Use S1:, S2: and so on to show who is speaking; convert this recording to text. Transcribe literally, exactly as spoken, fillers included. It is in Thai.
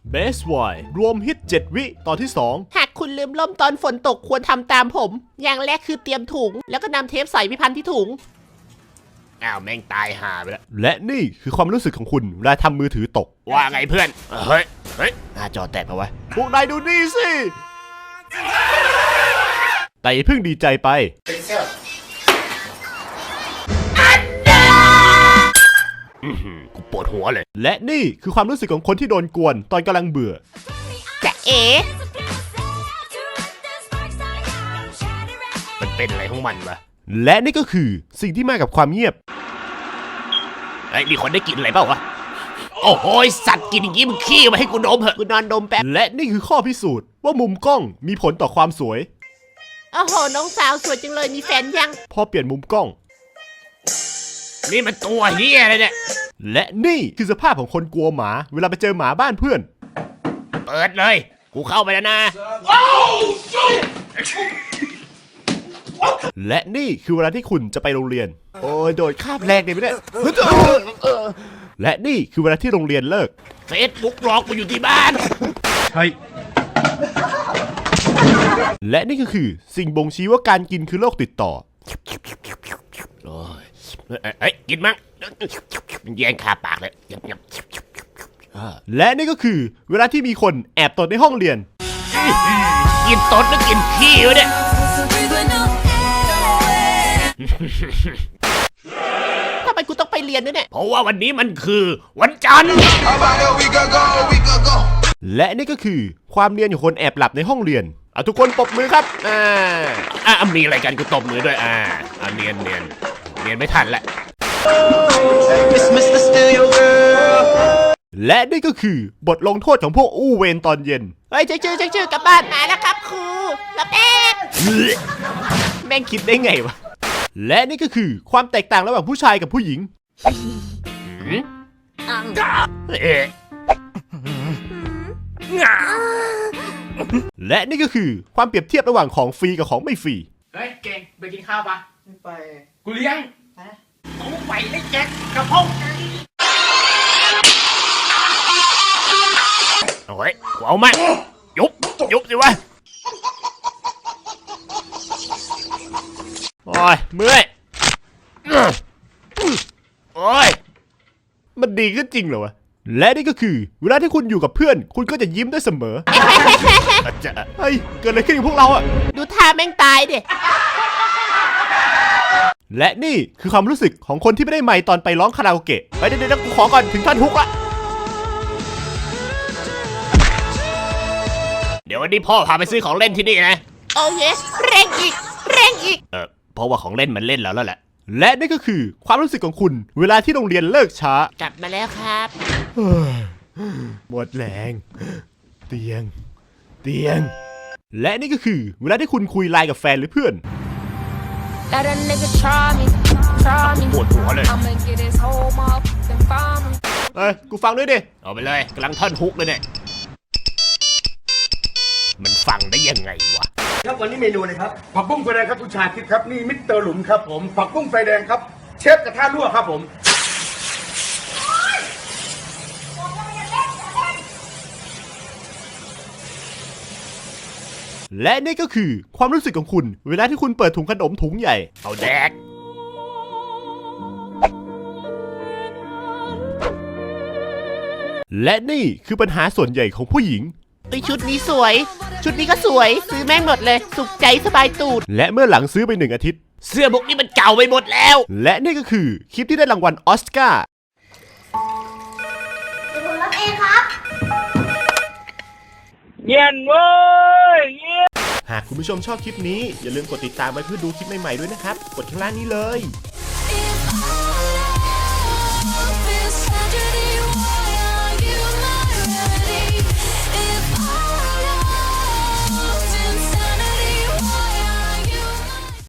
S1: Best Boy รวมฮิตเจ็ดวิตอนที่สอง
S2: หากคุณลืมล่มตอนฝนตกควรทำตามผม อย่างแรกคือเตรียมถุงแล้วก็นำเทปใส่พิพันธ์ที่ถุงอ้าวแม่งตายห่าไปแล้ว
S1: และนี่คือความรู้สึกของคุณเวลาทำมือถือตก
S2: ว่าไงเพื่อนเฮ้ยเฮ้ยหน้าจอแตกเอาไว้
S1: พวกนายดูนี่สิแต่อย่าเพิ่งดีใจไป
S2: กูปวดหัวเลย
S1: และนี่คือความรู้สึกของคนที่โดนกวนตอนกำลังเบื่อ
S2: จะเอ๋มันเป็นอะไรของมันวะ
S1: และนี่ก็คือสิ่งที่มากับความเงียบ
S2: ไอ้มีคนได้กินอะไรเปล่าวะโอ้โหสัตว์กินอย่างงี้มึงขี้มาให้กูดมเหอะกูนอนดมแป๊บ
S1: และนี่คือข้อพิสูจน์ว่ามุมกล้องมีผลต่อความสวย
S2: โอ้โหน้องสาวสวยจังเลยมีแฟนยัง
S1: พอเปลี่ยนมุมกล้อง
S2: นี่มันตัวเฮียอะไรเนี่ย
S1: และนี่คือสภาพของคนกลัวหมาเวลาไปเจอหมาบ้านเพื่อน
S2: เปิดเลยกูเข้าไปแล้วนะ
S1: และนี่คือเวลาที่คุณจะไปโรงเรียนโอ้ยโดดคาบแรกเลยไม่ได้และนี่คือเวลาที่โรงเรียนเลิก
S2: เฟซบุ๊กหลอกกูอยู่ที่บ้าน
S1: ใช่และนี่ก็คือสิ่งบ่งชี้ว่าการกินคือโรคติดต่อ
S2: โอ้ยเอ้ยกินมั้งแย่งคาปากเลย
S1: และนี่ก็คือเวลาที่มีคนแอบตดในห้องเรียน
S2: กินตดหรือกินขี้วะเนี่ยทำไมกูต้องไปเรียนด้วยเนี่ยเพราะว่าวันนี้มันคือวันจันทร์
S1: และนี่ก็คือความเนียนของคนแอบหลับในห้องเรียนเอาทุกคนปรบมือครับอ่า
S2: อ่ามีอะไรกันกูตบมือด้วยอ่าอ่าเนียนเนียนเนียนไม่ทันแหละ
S1: และนี่ก็คือบทลงโทษของพวกอู้เวรตอนเย็น
S2: เฮ้ยเจ๊ชื่อเจ๊ชื่อกลับบ้านมาแล้วครับครูรับเอง
S1: แม่งคิดได้ไงวะและนี่ก็คือความแตกต่างระหว่างผู้ชายกับผู้หญิงและนี่ก็คือความเปรียบเทียบระหว่างของฟรีกับของไม่ฟรี
S2: เฮ้ยเก่งไปกินข้าวปะไม่ไปกูเลี้ยงกูไปได้แจ็คกระเพาะโอ้ยกูเอามายุบยุบสิวะ
S1: โอ้ยเมื่อย
S2: โอ้ย
S1: มันดีขึ้นจริงเหรอวะและนี่ก็คือเวลาที่คุณอยู่กับเพื่อนคุณก็จะยิ้มได้เสมออาจจะเฮ้ยเกิดอะไรขึ้นกับพวกเราอะ
S2: ดูท่าแม่งตายดิ
S1: และนี่คือความรู้สึกของคนที่ไม่ได้ไมค์ตอนไปร้องคาราโอเกะไปเดี๋ยวเดี๋ยวกูขอก่อนถึงท่อนฮุกละ
S2: เดี๋ยววันนี้พ่อพาไปซื้อของเล่นที่นี่นะโอเคเร่งอีกเร่งอีกเออเพราะว่าของเล่นมันเล่นแล้วแล้วแหละ
S1: และนี่ก็คือความรู้สึกของคุณเวลาที่โรงเรียนเลิกช้าก
S2: ลับมาแล้วครับ
S1: หมดแรงเตียงเตียงและนี่ก็คือเวลาที่คุณคุยไลน์กับแฟนหรือเพื่อน
S2: ปวดหัวเลย
S1: เอ้ยกูฟังด้วยดิ
S2: เอาไปเลยกำลังท่อนฮุกเลยเนี่ยมันฟังได้ยังไงวะ
S3: ครับวันนี้เมนูเลยครับผักบุ้งไฟแดงครับคุณชาคิดครับนี่มิสเตอร์หลุมครับผมผักบุ้งไฟแดงครับเชฟกระทะรั่วครับผม
S1: และนี่ก็คือความรู้สึกของคุณเวลาที่คุณเปิดถุงขนมถุงใหญ่
S2: เอาแดก
S1: และนี่คือปัญหาส่วนใหญ่ของผู้หญิง
S2: ไอชุดนี้สวยชุดนี้ก็สวยซื้อแม่งหมดเลยสุขใจสบายตูด
S1: และเมื่อหลังซื้อไปหนึ่งอาทิตย์
S2: เสื้อพวกนี้มันเก่าไปหมดแล้ว
S1: และนี่ก็คือคลิปที่ได้รางวัลออสการ์
S4: เดี๋ยวผมรับเองครับ
S3: เย็นเว้ย
S1: หากคุณผู้ชมชอบคลิปนี้อย่าลืมกดติดตามไว้เพื่อดูคลิปใหม่ๆด้วยนะครับกดข้างล่างนี้เลย